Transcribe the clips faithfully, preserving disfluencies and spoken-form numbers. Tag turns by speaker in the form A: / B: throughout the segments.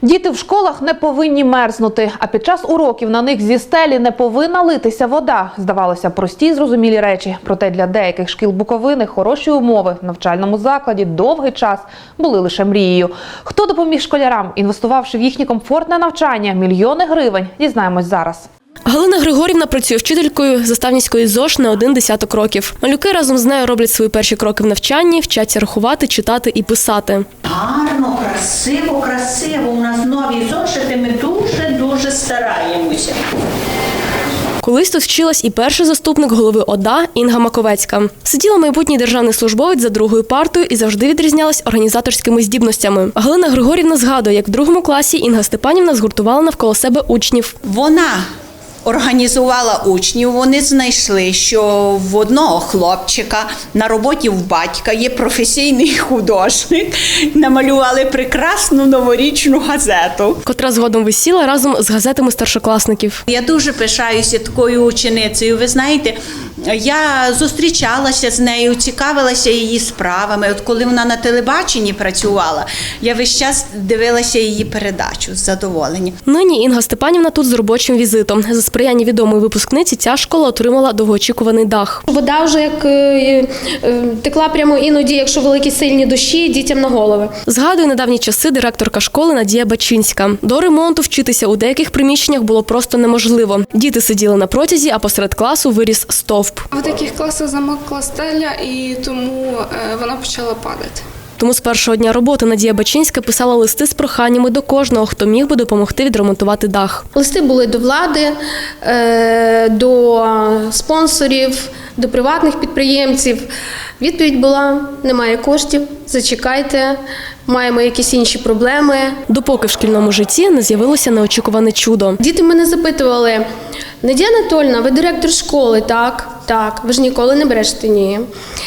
A: Діти в школах не повинні мерзнути, а під час уроків на них зі стелі не повинна литися вода. Здавалося, прості й зрозумілі речі. Проте для деяких шкіл Буковини хороші умови в навчальному закладі довгий час були лише мрією. Хто допоміг школярам, інвестувавши в їхнє комфортне навчання мільйони гривень, дізнаємось зараз.
B: Галина Григорівна працює вчителькою Заставницької ЗОШ не один десяток років. Малюки разом з нею роблять свої перші кроки в навчанні, вчаться рахувати, читати і писати.
C: Гарно, красиво, красиво. У нас нові зошити, ми дуже-дуже стараємося.
B: Колись тут вчилась і перший заступник голови ОДА Інга Маковецька. Сиділа майбутній державний службовець за другою партою і завжди відрізнялась організаторськими здібностями. Галина Григорівна згадує, як в другому класі Інга Степанівна згуртувала навколо себе учнів.
C: Вона організувала учнів, вони знайшли, що в одного хлопчика на роботі в батька є професійний художник, намалювали прекрасну новорічну газету,
B: Котра згодом висіла разом з газетами старшокласників.
C: Я дуже пишаюся такою ученицею. Ви знаєте, я зустрічалася з нею, цікавилася її справами. От коли вона на телебаченні працювала, я весь час дивилася її передачу з задоволенням.
B: Нині Інга Степанівна тут з робочим візитом. За сприяння відомої випускниці ця школа отримала довгоочікуваний дах.
D: Вода вже як е, е, текла прямо іноді, якщо великі сильні дощі, дітям на голови.
B: Згадує недавні часи директорка школи Надія Бачинська. До ремонту вчитися у деяких приміщеннях було просто неможливо. Діти сиділи на протязі, а посеред класу виріс стовп.
E: В деяких класах замокла стеля, і тому вона почала падати.
B: Тому з першого дня роботи Надія Бачинська писала листи з проханнями до кожного, хто міг би допомогти відремонтувати дах.
D: Листи були до влади, е, до спонсорів, до приватних підприємців. Відповідь була: немає коштів, зачекайте, маємо якісь інші проблеми.
B: Допоки в шкільному житті не з'явилося неочікуване чудо.
D: Діти мене запитували: Надія Анатольовна, ви директор школи, так? Так. Ви ж ніколи не брешете? Ні.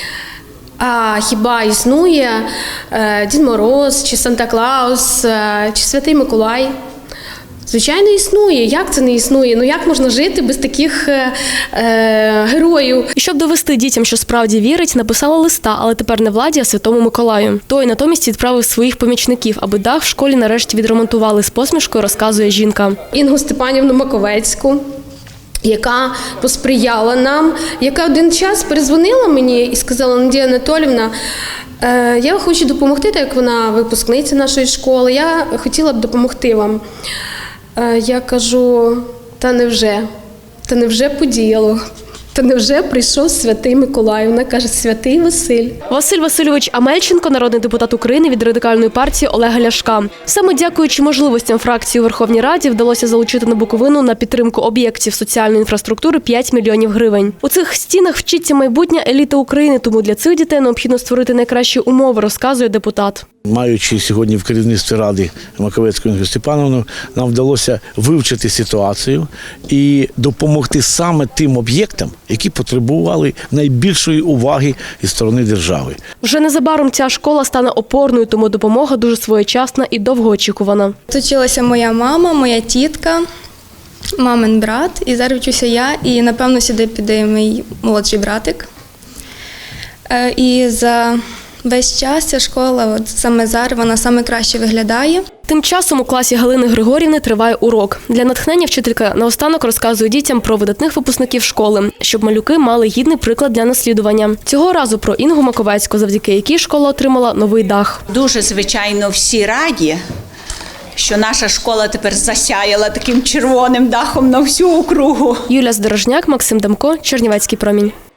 D: А хіба існує е, Дід Мороз, чи Санта-Клаус, е, чи Святий Миколай? Звичайно, існує. Як це не існує? Ну як можна жити без таких е, е, героїв?
B: І щоб довести дітям, що справді вірить, написала листа, але тепер не владі, а Святому Миколаю. Той натомість відправив своїх помічників, аби дах в школі нарешті відремонтували. З посмішкою розказує жінка.
D: Інгу Степанівну Маковецьку, яка посприяла нам, яка один час перезвонила мені і сказала: Надія Анатоліївна, е, я хочу допомогти, так як вона випускниця нашої школи, я хотіла б допомогти вам. Е, я кажу: та невже, та невже подіяло? Та невже прийшов Святий Миколай? Вона каже: Святий Василь.
B: Василь Васильович Амельченко – народний депутат України від Радикальної партії Олега Ляшка. Саме дякуючи можливостям фракції у Верховній Раді вдалося залучити на Буковину на підтримку об'єктів соціальної інфраструктури п'ять мільйонів гривень. У цих стінах вчиться майбутня еліта України, тому для цих дітей необхідно створити найкращі умови, розказує депутат.
F: Маючи сьогодні в керівництві Ради Маковецьку Інгу Степанівну, нам вдалося вивчити ситуацію і допомогти саме тим об'єктам, які потребували найбільшої уваги із сторони держави.
B: Вже незабаром ця школа стане опорною, тому допомога дуже своєчасна і довгоочікувана.
E: Тут вчилася моя мама, моя тітка, мамин брат, і зараз вчуся я, і напевно сюди піде мій молодший братик. І за весь час ця школа, от саме зараз, вона саме краще виглядає.
B: Тим часом у класі Галини Григорівни триває урок. Для натхнення вчителька наостанок розказує дітям про видатних випускників школи, щоб малюки мали гідний приклад для наслідування. Цього разу про Інгу Маковецьку, завдяки якій школа отримала новий дах.
C: Дуже, звичайно, всі раді, що наша школа тепер засяяла таким червоним дахом на всю округу.
B: Юлія Здорожняк, Максим Демко, Чернівецький промінь.